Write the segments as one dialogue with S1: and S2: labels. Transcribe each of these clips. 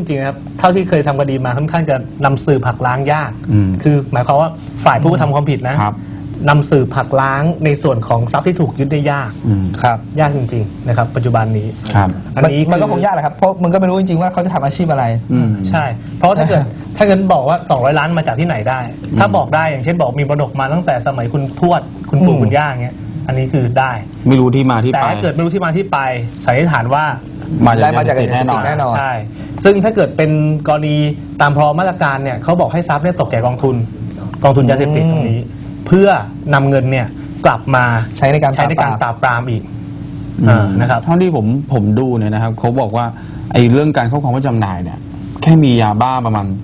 S1: ริงๆนะครับเท่าที่เคยทำคดีมาค่อนข้างจะนำสืบหักล้างยากคือหมายความว่าฝ่ายผู้กระทำความผิดนะนำสืบหักล้างในส่วนของทรัพย์ที่ถูกยึดได้ยาก
S2: ครับ
S1: ยากจริงๆนะครับปัจจุบันนี้
S2: อันนี้มันก็คงยากแหละครับเพราะมันก็ไม่รู้จริงๆว่าเขาจะทำอาชีพอะไร
S1: ใช่เพราะถ้าเกิดบอกว่า200 ล้านมาจากที่ไหนได้ถ้าบอกได้อย่างเช่นบอกมีมรดกมาตั้งแต่สมัยคุณทวดคุณปู่คุณย่าเงี้ยอันนี้คือได้
S3: ไม่รู้ที่มาที่ไป
S1: แต่ถ้าเกิดไม่รู้ที่มาที่ไปสันนิษฐานว่า
S2: ได้มาจากยาเสพติดแน่นอน
S1: ใช่ซึ่งถ้าเกิดเป็นกรณีตามพรบมาตรการเนี่ยเขาบอกให้ทรัพย์เนี่ยตกแก่กองทุนยาเสพติดตรงนี้เพื่อนำเงินเนี่ยกลับมา
S2: ใช้ในการ
S1: ปราบปรามอีกนะครับ
S3: เท่าที่ผมดูเนี่ยนะครับเขาบอกว่าไอ้เรื่องการครอบครองไว้จำหน่ายเนี่ยแค่มียาบ้าประมาณ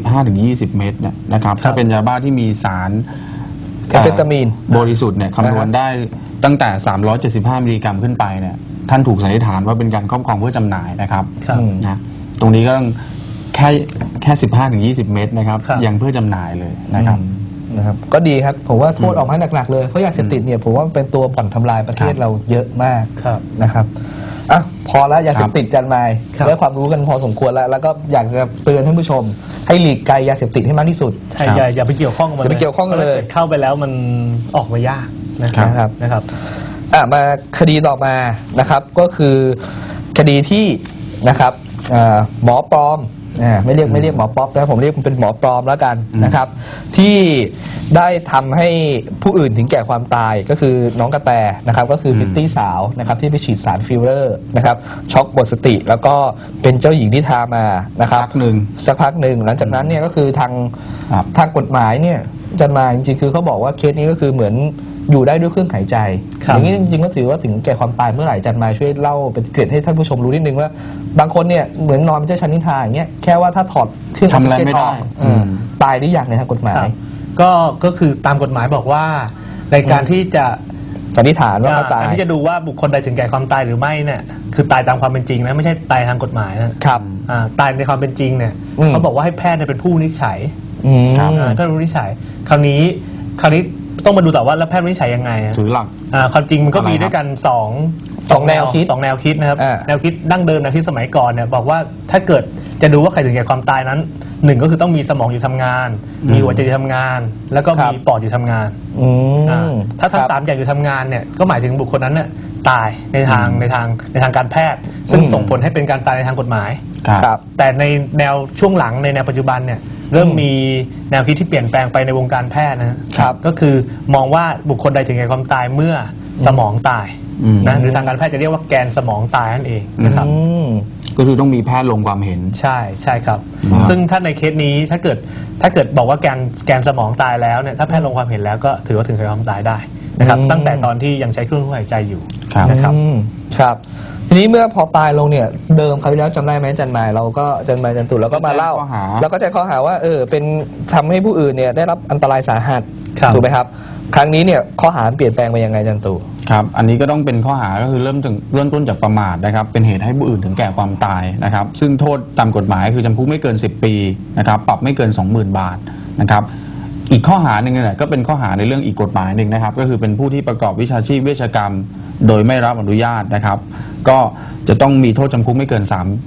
S3: 15-20 เม็ดเนี่ยนะครับถ้าเป็นยาบ้าที่มีสาร
S2: แอมเฟตามีน
S3: บริสุทธิ์เนี่ยคำนวณได้ตั้งแต่375มิลลิกรัมขึ้นไปเนี่ยท่านถูกสันนิษฐานว่าเป็นการครอบครองเพื่อจำหน่ายนะครับนะตรงนี้ก็ต้องแค่15-20 เม็ดนะครับยังเพื่อจำหน่ายเลยนะครับ
S2: ก็ดีครับผมว่าโทษออกมาหนักๆเลยเพราะยาเสพติดเนี่ยผมว่าเป็นตัวบ่อนทำลายประเทศเราเยอะมากนะครับอ่ะพอแล้วยาเสพติดจันมายได้ความรู้กันพอสมควรแล้วก็อยากจะเตือนท่านผู้ชมให้หลีกไกลยาเสพติดให้มากที่สุด
S1: ใช่อย่าไปเกี่ยวข้องกับมัน
S2: อย่าไปเกี่ยวข้องกันเลย
S1: เข้าไปแล้วมันออกมายากนะครับ
S2: มาคดีต่อมานะครับก็คือคดีที่นะครับหมอปลอมไม่เรียกหมอป๊อปนะผมเรียกเป็นหมอปลอมแล้วกันนะครับที่ได้ทำให้ผู้อื่นถึงแก่ความตายก็คือน้องกระแตนะครับก็คือพิตตี้สาวนะครับที่ไปฉีดสารฟิลเลอร์นะครับช็อกหมดสติแล้วก็เป็นเจ้าหญิงนิทรามานะครับสักพักหนึ่งหลังจากนั้นเนี่ยก็คือทางกฎหมายเนี่ยจันมาจริงๆคือเขาบอกว่าเคสนี้ก็คือเหมือนอยู่ได้ด้วยเครื่องหายใจอย่างนี้จริงๆก็ถือว่าถึงแก่ความตายเมื่อไหร่จันมาช่วยเล่าเป็นเกร็ดให้ท่านผู้ชมรู้นิดนึงว่าบางคนเนี่ยเหมือนนอนเป็นเจ้าชายนิทราอย่างเงี้ยแค่ว่าถ้าถอดเครื่องออกซิเจนออกตายได้อย่างในทางกฎหมาย
S1: ก็คือตามกฎหมายบอกว่าในการที่จะ
S2: สันนิษฐานว่าเขาตาย
S1: การที่จะดูว่าบุคคลใดถึงแก่ความตายหรือไม่เนี่ยคือตายตามความเป็นจริงนะไม่ใช่ตายทางกฎหมายนะครับตายในความเป็นจริงเนี่ยเขาบอกว่าให้แพทย์เป็นผู้วินิจฉัยแพทย์วินิจฉัยคราวนี้ต้องมาดูต่อว่าแล้วแพทย์วินิจฉัยยังไง
S3: ถือหลัก
S1: ความจริงมันก็มีด้วยกัน2แนวคิดนะครับแนวคิดดั้งเดิมแนวคิดสมัยก่อนเนี่ยบอกว่าถ้าเกิดจะดูว่าใครถึงแก่ความตายนั้น1ก็คือต้องมีสมองอยู่ทำงานมีหัวใจอยู่ทำงานแล้วก็มีปอดอยู่ทำงานถ้าทั้ง3อย่างอยู่ทำงานเนี่ยก็หมายถึงบุคคลนั้นเนี่ยตายในทางการแพทย์ซึ่งส่งผลให้เป็นการตายในทางกฎหมายแต่ในแนวช่วงหลังในแนวปัจจุบันเนี่ยเริ่มมีแนวคิดที่เปลี่ยนแปลงไปในวงการแพทย์นะครับก็คือมองว่าบุคคลใดถึงแก่ความตายเมื่อสมองตายนะหรือทางการแพทย์จะเรียกว่าแกนสมองตายนั่นเองนะครับ
S3: ก็คือต้องมีแพทย์ลงความเห็น
S1: ใช่ครับซึ่งถ้าในเคสนี้ถ้าเกิดบอกว่าแกนสมองตายแล้วเนี่ยถ้าแพทย์ลงความเห็นแล้วก็ถือว่าถึงแก่ความตายได้นะครับตั้งแต่ตอนที่ยังใช้เครื่องช่วยหายใจอยู่นะครับ
S2: ทีนี้เมื่อพอตายลงเนี่ยเดิมคราวที่แล้วจำได้ไหมจันมายเราก็จันตุเราก็มาเล่าแล้วก็แจ้งข้อหาว่าเป็นทำให้ผู้อื่นเนี่ยได้รับอันตรายสาหัสถูกไหมครับครั้งนี้เนี่ยข้อหาเปลี่ยนแปลงไปยังไงจันตุ
S3: ครับอันนี้ก็ต้องเป็นข้อหาก็คือเริ่มต้นจากประมาทนะครับเป็นเหตุให้ผู้อื่นถึงแก่ความตายนะครับซึ่งโทษตามกฎหมายคือจำคุกไม่เกิน10 ปีนะครับปรับไม่เกิน 20,000 บาทนะครับอีกข้อหาหนึ่งเนี่ยก็เป็นข้อหาในเรื่องอีกกฎหมายหนึ่งนะครับก็คือเป็นผู้ที่ประกอบวิชาชีพเวชกรรมโดยไม่รับอนุญาตนะครับก็จะต้องมีโทษจำคุกไม่เกิน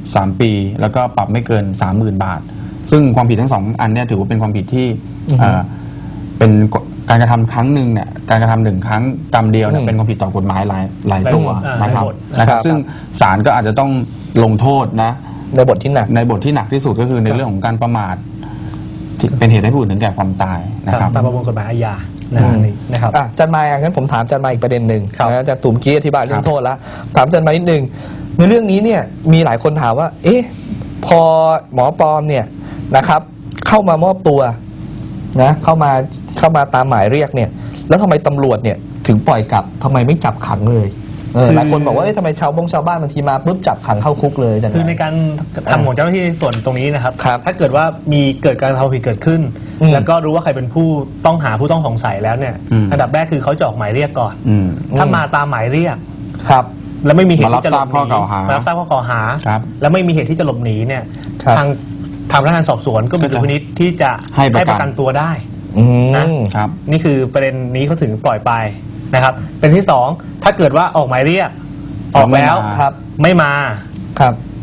S3: 3 ปีแล้วก็ปรับไม่เกิน 30,000 บาทซึ่งความผิดทั้ง2อันเนี่ยถือว่าเป็นความผิดที่เป็นการกระทำครั้งหนึ่งเนี่ยการกระทำ1 ครั้งกรรมเดียวเนี่ยเป็นความผิดต่อกฎหมายหลายตัวนะครับซึ่งศาลก็อาจจะต้องลงโทษนะ
S2: ในบทที่หนั
S3: กที่สุดก็คือในเรื่องของการประมาทเป็นเหตุให้ผู้อื่นถึงแก่ความตายนะครับ
S1: ตามประมวลกฎหมายอาญานะครับ
S2: จันมายงั้นผมถามจันมายอีกประเด็นหนึ่งนะจะตุ่มกี้อธิบายเรื่องโทษแล้วถามจันมายนิดนึงในเรื่องนี้เนี่ยมีหลายคนถามว่าพอหมอปลอมเนี่ยนะครับเข้ามามอบตัวนะเข้ามาตามหมายเรียกเนี่ยแล้วทำไมตำรวจเนี่ยถึงปล่อยกลับทำไมไม่จับขังเลยหลายคนบอกว่าทำไมชาวบ้านบางทีมาปุ๊บจับขังเข้าคุกเลย
S1: คือในการทำของเจ้าหน้าที่ส่วนตรงนี้นะครับถ้าเกิดว่าเกิดการทำผิดเกิดขึ้นแล้วก็รู้ว่าใครเป็นผู้ต้องหาผู้ต้องสงสัยแล้วเนี่ยอันดับแรกคือเขาจะออกหมายเรียกก่อนถ้ามาตามหมายเรียกแล้วไม่มีเหตุที่จะหลบหนีมารับทราบข้อกล่าวหาแล้วไม่มีเหตุที่จะหลบหนีเนี่ยทางพนักงานสอบสวนก็มีดุลพินิจที่จะให้ประกันตัวได้นะครับนี่คือประเด็นนี้เขาถึงปล่อยไปนะครับเป็นที่2ถ้าเกิดว่าออกหมายเรียกออกแล้วไม่มา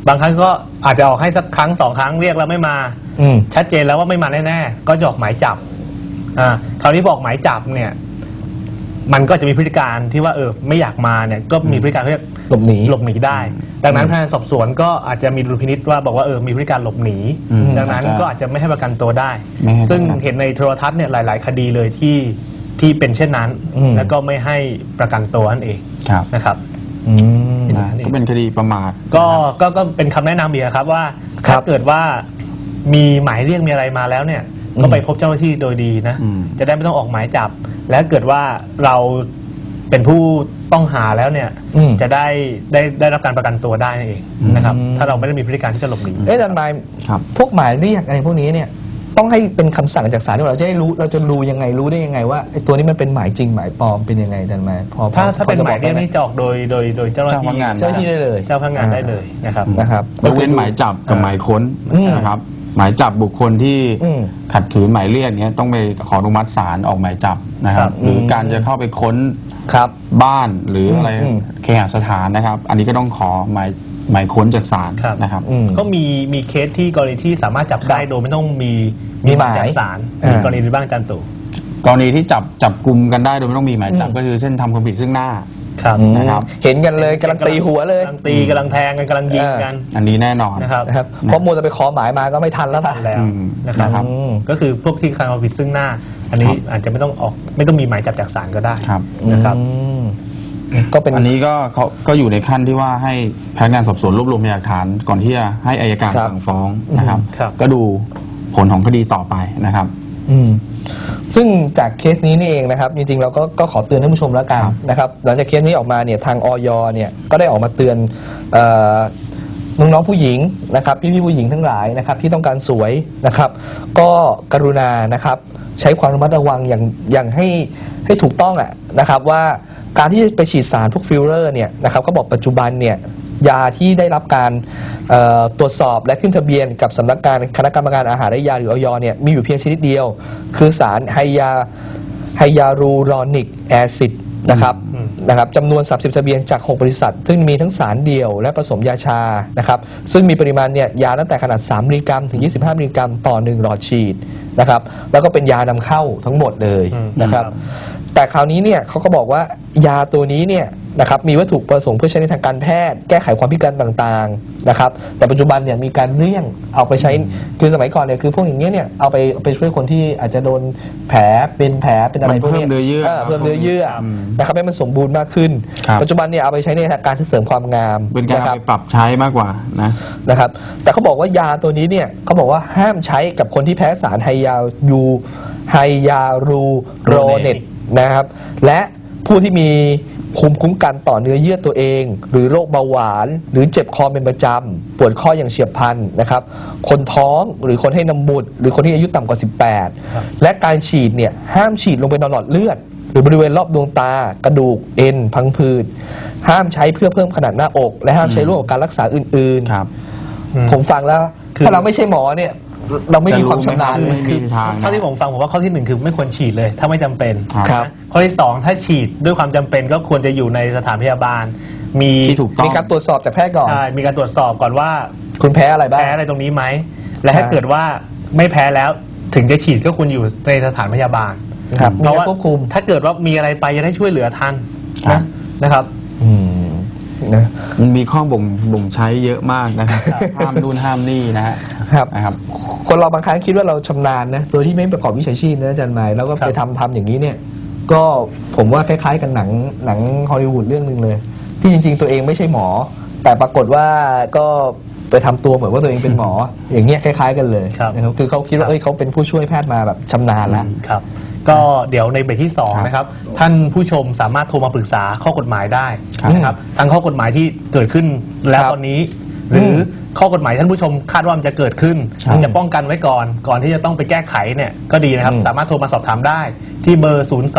S1: บางครั้งก็อาจจะออกให้สักครั้ง2 ครั้งเรียกแล้วไม่มาชัดเจนแล้วว่าไม่มาแน่ๆก็จะออกหมายจับคราวนี้บอกหมายจับเนี่ยมันก็จะมีพฤติการที่ว่าไม่อยากมาเนี่ยก็มีพฤติการเรียกหลบหนีได้ดังนั้นพนักงานสอบสวนก็อาจจะมีดุลพินิจว่าบอกว่ามีพฤติการหลบหนีดังนั้นก็อาจจะไม่ให้ประกันตัวได้ซึ่งเห็นในโทรทัศน์เนี่ยหลายๆคดีเลยที่เป็นเช่นนั้นแล้วก็ไม่ให้ประกันตัวนั่นเองนะครับ
S3: ก็เป็นคดีประมาท
S1: ก็เป็นคำแนะนำอีกครับว่าถ้าเกิดว่ามีหมายเรียกมีอะไรมาแล้วเนี่ยก็ไปพบเจ้าหน้าที่โดยดีนะจะได้ไม่ต้องออกหมายจับและเกิดว่าเราเป็นผู้ต้องหาแล้วเนี่ยจะได้รับการประกันตัวได้นั่นเองนะครับถ้าเราไม่ได้มีพฤติการที่จะหลบหนี
S2: อาจารย์หมายพวกหมายเรียกอะไรพวกนี้เนี่ยต้องให้เป็นคำสั่งจากศาลที่เราจะได้รู้เราจะรู้ยังไงรู้ได้ยังไงว่าไอ้ตัวนี้มันเป็นหมายจริงหมายปลอมเป็นยังไงอาจารย์หมาย
S1: ถ้าเป็นหมายเรียกนี่จะออกโดยเจ้าหน้าที่
S2: ได้เลย
S1: เจ้าพนักงานได้เลยนะครับ
S3: ยกเว้นหมายจับกับหมายค้นนะครับหมายจับบุคคลที่ขัดขืนหมายเรียกเนี้ยต้องไปขออนุมัติศาลออกหมายจับนะครับหรือการจะเข้าไปค้นบ้านหรืออะไรเคหสถานนะครับอันนี้ก็ต้องขอหมายค้นจากศาลนะครับ
S1: ก็มีเคสที่กรณีที่สามารถจับได้โดยไม่ต้องมีหมายจากศาลมีกรณีบ้างอาจารย์ตู่
S3: กรณีที่จับกลุ่มกันได้โดยไม่ต้องมีหมายจับก็คือเช่นทำความผิดซึ่งหน้า
S2: นะครับเห็นกันเลยกำลังตีหัวเลย
S1: กำลังตีกำลังแทงกันกำลังยิงกัน
S3: อันนี้แน่นอน
S1: นะครับ
S2: เพราะมัวจะไปขอหมายมาก็ไม่ทันแล้ว
S1: นะครับก็คือพวกที่ทำความผิดซึ่งหน้าอันนี้อาจจะไม่ต้องมีหมายจับจากศาลก็ได้นะครับ
S3: ก็เป็นอันนี้ก็อยู่ในขั้นที่ว่าให้พนักงานสอบสวนรวบรวมพยานหลักฐานก่อนที่จะให้อัยการสั่งฟ้องนะครับก็ดูผลของคดีต่อไปนะครับ
S2: ซึ่งจากเคสนี้นี่เองนะครับจริงๆเราก็ขอเตือนท่านผู้ชมแล้วกันนะครับหลังจากเคสนี้ออกมาเนี่ยทางอย.เนี่ยก็ได้ออกมาเตือนน้องๆผู้หญิงนะครับพี่ๆผู้หญิงทั้งหลายนะครับที่ต้องการสวยนะครับก็กรุณานะครับใช้ความระมัดระวังอย่างให้ถูกต้องนะครับว่าการที่ไปฉีดสารพวกฟิลเลอร์เนี่ยนะครับก็บอกปัจจุบันเนี่ยยาที่ได้รับการตรวจสอบและขึ้นทะเบียนกับสำนักงานคณะกรรมการอาหารและยาหรืออย.เนี่ยมีอยู่เพียงชนิดเดียวคือสารไฮยาลูรอนิกแอซิดนะครับจำนวน30ทะเบียนจาก6บริษัทซึ่งมีทั้งสารเดียวและผสมยาชานะครับซึ่งมีปริมาณเนี่ยยาตั้งแต่ขนาด3 มิลลิกรัมถึง25 มิลลิกรัมต่อ1หลอดฉีดนะครับแล้วก็เป็นยานำเข้าทั้งหมดเลยนะครับแต่คราวนี้เนี่ยเขาก็บอกว่ายาตัวนี้เนี่ยนะครับมีวัตถุประสงค์เพื่อใช้ในทางการแพทย์แก้ไขความพิการต่างๆนะครับแต่ปัจจุบันเนี่ยมีการเลี่ยงเอาไปใช้คือสมัยก่อนเนี่ยคือพวกอย่างเงี้ยเนี่ยเอาไปช่วยคนที่อาจจะโดนแผลเป็นอะไรพวกนี้
S3: เพิ่มเนื้อเยื่อ
S2: นะครับให้มันสมบูรณ์มากขึ้นปัจจุบันเนี่ยเอาไปใช้ในการเสริมความงาม
S3: เป็นการไปปรับใช้มากกว่า
S2: นะครับแต่เขาบอกว่ายาตัวนี้เนี่ยเขาบอกว่าห้ามใช้กับคนที่แพ้สารไฮยาลูโรเนตนะครับและผู้ที่มีภูมิคุ้มกันต่อเนื้อเยื่อตัวเองหรือโรคเบาหวานหรือเจ็บคอเป็นประจำปวดข้ออย่างเฉียบพลันนะครับคนท้องหรือคนให้นมบุตรหรือคนที่อายุต่ำกว่า18และการฉีดเนี่ยห้ามฉีดลงไปในหลอดเลือดหรือบริเวณรอบดวงตากระดูกเอ็นพังผืดห้ามใช้เพื่อเพิ่มขนาดหน้าอกและห้ามใช้ร่วมกับการรักษาอื่นๆผมฟังแล้วถ้าเราไม่ใช่หมอเนี่ยเราไม่มีความชำนาญเลย
S1: คือเท่าที่ผมฟังผมว่าข้อที่1คือไม่ควรฉีดเลยถ้าไม่จำเป็นข้อที่2ถ้าฉีดด้วยความจำเป็นก็ควรจะอยู่ในสถานพยาบาลมี
S2: การตรวจสอบจากแพทย์ก่อน
S1: ใช่มีการตรวจสอบก่อนว่า
S2: คุณแพ้อะไรบ้าง
S1: แพ้อะไรตรงนี้ไหมและถ้าเกิดว่าไม่แพ้แล้วถึงจะฉีดก็ควรอยู่ในสถานพยาบาล
S2: เพราะว่าควบคุม
S1: ถ้าเกิดว่ามีอะไรไปจะได้ช่วยเหลือทันนะครับ
S3: มันมีข้อบ่งใช้เยอะมากนะครับห้ามนู่นห้ามนี่นะครับ
S2: คนเราบางครั้งคิดว่าเราชำนาญนะโดยที่ไม่ประกอบวิชาชีพนะอาจารย์หมายแล้วก็ไปทำอย่างนี้เนี่ยก็ผมว่าคล้ายๆกันหนังฮอลลีวูดเรื่องนึงเลยที่จริงๆตัวเองไม่ใช่หมอแต่ปรากฏว่าก็ไปทำตัวเหมือนว่าตัวเองเป็นหมออย่างเงี้ยคล้ายๆกันเลยนะครับคือเขาคิดว่าเขาเป็นผู้ช่วยแพทย์มาแบบชำนาญแล้ว
S1: ก็เดี๋ยวในเบรกที่2นะครับท่านผู้ชมสามารถโทรมาปรึกษาข้อกฎหมายได้นะครับทั้งข้อกฎหมายที่เกิดขึ้นแล้วตอนนี้หรือข้อกฎหมายท่านผู้ชมคาดว่ามันจะเกิดขึ้นจะป้องกันไว้ก่อนที่จะต้องไปแก้ไขเนี่ยก็ดีนะครับสามารถโทรมาสอบถามได้ที่เบอร์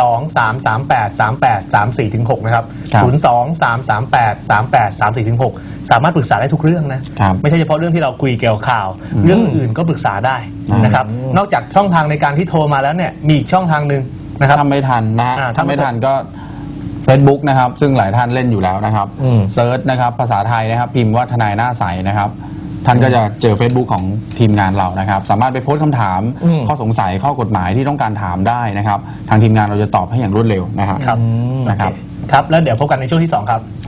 S1: 02-338-3834-6 นะครับ 02-338-3834-6 สามารถปรึกษาได้ทุกเรื่องนะไม่ใช่เฉพาะเรื่องที่เราคุยเกี่ยวข่าวเรื่องอื่นก็ปรึกษาได้นะครับนอกจากช่องทางในการที่โทรมาแล้วเนี่ยมีอีกช่องทางนึงนะครับ
S3: ทำไม่ทันนะถ้าไม่ทันก็ Facebook นะครับซึ่งหลายท่านเล่นอยู่แล้วนะครับ
S2: อืม
S3: เซิร์ชนะครับภาษาไทยนะครับพิมพ์ว่าทนายหน้าใสนะครับท่านก็จะเจอ Facebook ของทีมงานเรานะครับสามารถไปโพสต์คำถาม
S2: อืม
S3: ข้อสงสัยข้อกฎหมายที่ต้องการถามได้นะครับทางทีมงานเราจะตอบให้อย่างรวดเร็วนะครับ
S1: ครับ
S3: นะครับ
S1: ครับ แล้วเดี๋ยวพบกันในช่วงที่ 2 ครับ